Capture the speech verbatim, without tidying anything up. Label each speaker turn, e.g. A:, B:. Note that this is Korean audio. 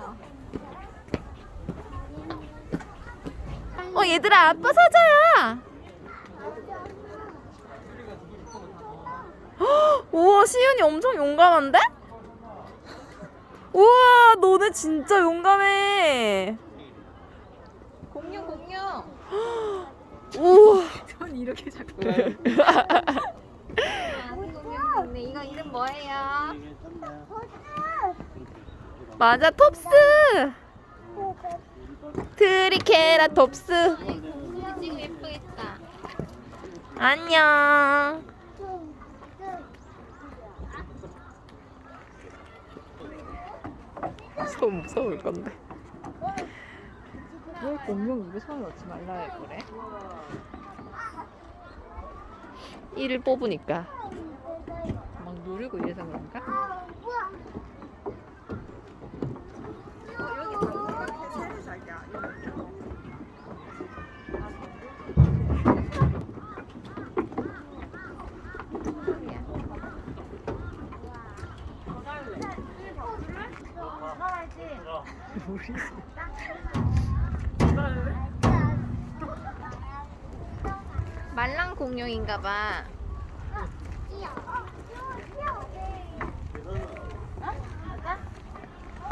A: 어 얘들아 아빠 사자야. 헉, 우와 시윤이 엄청 용감한데? 우와 너네 진짜 용감해.
B: 공룡 공룡.
A: 우와.
B: 전 이렇게 자꾸. 아, 공룡 있네. 이거 이름 뭐예요?
A: 맞아 톱스. 트리케라톱스.
B: 우리 지금 예쁘겠다.
A: 안녕. 손 무서울 건데.
B: 왜 공룡 입에 손을 넣지 말라 해 그래?
A: 이를 뽑으니까.
B: 막 누르고 이래서 그런가? 말랑 공룡인가봐.